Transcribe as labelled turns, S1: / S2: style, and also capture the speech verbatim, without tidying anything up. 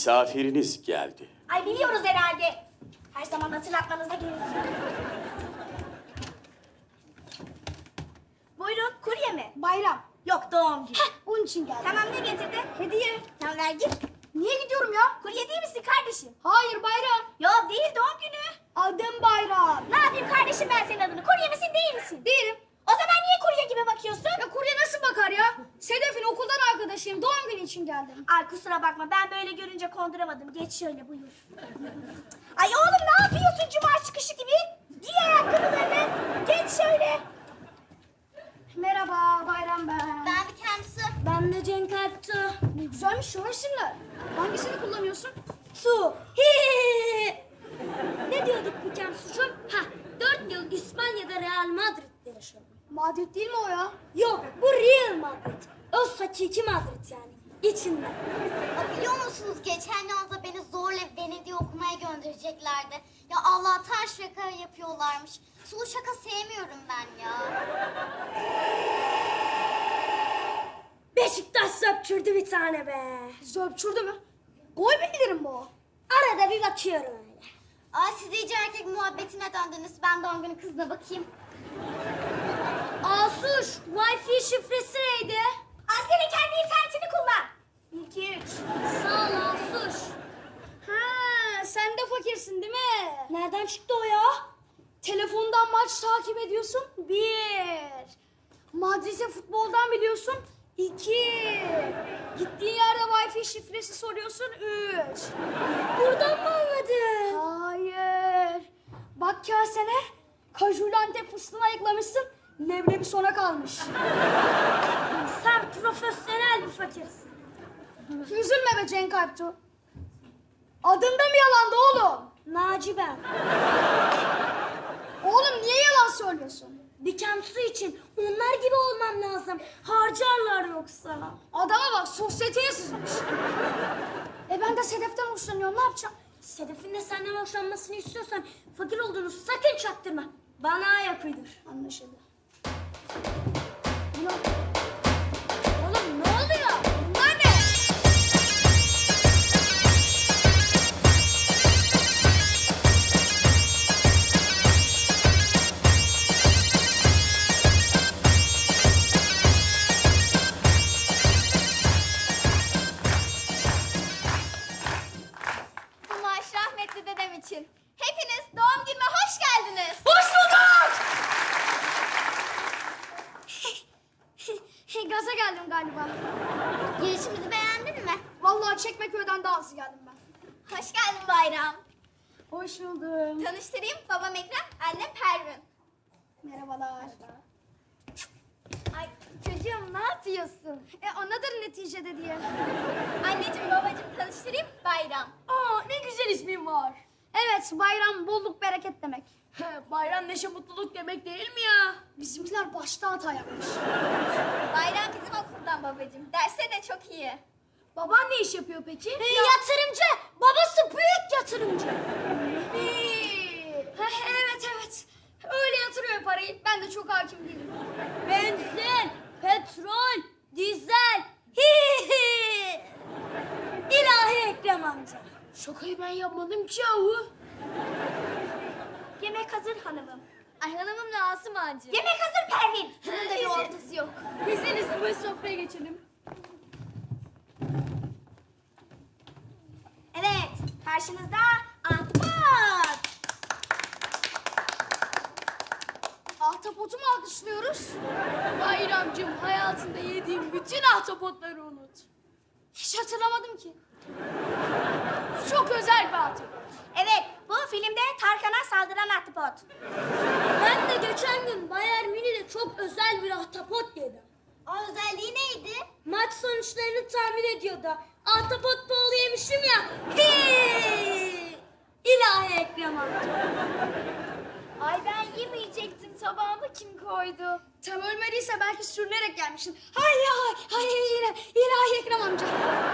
S1: Misafiriniz geldi.
S2: Ay biliyoruz herhalde. Her zaman hatırlatmanıza gerek yok. Buyurun, kurye mi?
S3: Bayram.
S2: Yok, doğum günü.
S3: Heh, onun için geldim.
S2: Tamam, ne getirdi?
S3: Hediye.
S2: Tamam, ver git.
S3: Niye gidiyorum ya?
S2: Kurye değil misin kardeşim?
S3: Hayır Bayram.
S2: Yok değil, doğum günü.
S3: Adım Bayram.
S2: Ne yapayım kardeşim ben senin adını? Kurye misin değil misin?
S3: Değilim.
S2: O zaman niye kurye gibi bakıyorsun?
S3: Ya kurye nasıl bakar ya? Sedef'in okuldan arkadaşıyım. Doğum günü için geldim.
S2: Ay kusura bakma, ben böyle görünce konduramadım. Geç şöyle, buyur. Ay oğlum ne yapıyorsun cuma çıkışı gibi? Giy ayakkabılarını. Geç şöyle.
S3: Merhaba Bayram ben.
S2: Ben bir kendisi.
S3: Ben de Cenk Alptu. Ne güzelmiş şu isimler. Hangisini kullanıyorsun?
S4: Su. Hi. Ne diyorduk bu Kemsucuğum? Ha, dört yıl İspanya'da Real Madrid'de yaşadım.
S3: Madrid değil mi o ya?
S4: Yok, bu Real Madrid. O hakiki Madrid yani. İçinde.
S5: Ya biliyor musunuz geçen yazda beni zorla Venedik'e okumaya göndereceklerdi. Ya Allah'tan şaka yapıyorlarmış. Sulu şaka sevmiyorum ben ya.
S4: Beşiktaş söpçürdü bir tane be.
S3: Zöpçürdü mü? Gol bildirim bu o.
S4: Arada bir bakıyorum öyle.
S5: Aa siz iyice erkek muhabbetine döndünüz. Ben doğum günü kızına bakayım.
S4: Asuş, Wi-Fi şifresi neydi?
S2: Askere kendi internetini kullan. Bir, iki, üç.
S4: Sağ ol Asuş.
S3: Ha, sen de fakirsin değil mi?
S4: Nereden çıktı o ya?
S3: Telefondan maç takip ediyorsun. Bir. Madrid'e futboldan biliyorsun. İki. Gittiğin yerde Wi-Fi şifresi soruyorsun. Üç.
S4: Buradan mı anladın?
S3: Hayır. Bak kasene. Kajulu Antep fıstığını ayıklamışsın. Leblebi sona kalmış.
S4: Sen profesyonel bir fakirsin.
S3: Üzülme be Cenk Alptu. Adında mı yalandı oğlum?
S4: Naci ben.
S3: Oğlum niye yalan söylüyorsun?
S4: Bir Kemsu için onlar gibi olmam lazım. Harcarlar yoksa.
S3: Adama bak sosyeteye sızmış. E ben de Sedef'ten hoşlanıyorum, ne yapacağım?
S4: Sedef'in de senden hoşlanmasını istiyorsan fakir olduğunu sakın çaktırma. Bana ayak uydur.
S3: Anlaşıldı. Bunu...
S4: Oğlum ne oluyor?
S3: Bunlar ne?
S5: Bu maaş rahmetli dedem için. Hepiniz doğum günüme hoş geldiniz.
S3: Hoş bulduk! Gaza geldim galiba.
S5: Girişimizi beğendin mi?
S3: Vallahi Çekmeköy'den daha hızlı geldim ben.
S5: Hoş geldin Bayram.
S3: Hoş buldum.
S5: Tanıştırayım, babam Ekrem, annem Pervin.
S3: Merhabalar.
S5: Ay çocuğum ne yapıyorsun?
S3: E anadır neticede diye.
S5: Anneciğim babacığım tanıştırayım, Bayram.
S3: Aa ne güzel ismin var. Evet bayram bolluk bereket demek. Bayram neşe mutluluk demek değil mi ya? Bizimkiler başta hata yapmış.
S5: Bayram bizim okuldan babacığım. Derse de çok iyi.
S3: Baban ne iş yapıyor peki?
S4: Yatırımcı. Babası büyük yatırımcı.
S3: Ha, evet evet. Öyle yatırıyor parayı. Ben de çok hakim değilim.
S4: Benzin, petrol, dizel. Hi hi. İlahi Ekrem amca.
S3: Şakayı ben yapmadım ki yahu.
S2: Yemek hazır hanımım.
S5: Ay hanımımla Asım Ağacı.
S2: Yemek hazır Pervin.
S5: Bunun da bir ortası yok.
S3: Biz en iyisi bu sofraya geçelim.
S2: Evet, karşınızda Ahtapot.
S3: Ahtapotu mu alkışlıyoruz? Bayramcığım hayatında yediğim bütün ahtapotları unut. Hiç hatırlamadım ki. Bu çok özel bir ahtapot.
S2: Evet, bu filmde Tarkan'a saldıran Ahtapot.
S4: Ben de geçen gün Bayern Münih'de çok özel bir ahtapot yedim.
S5: O özelliği neydi?
S4: Maç sonuçlarını tahmin ediyordu. Ahtapot bolu yemişim ya. Hi! İlahi Ekrem amca.
S5: Ay ben yemeyecektim. Tabağıma kim koydu?
S3: Tam ölmediyse belki sürünerek gelmişsin. Hay hay hay yine ilahi Ekrem amca.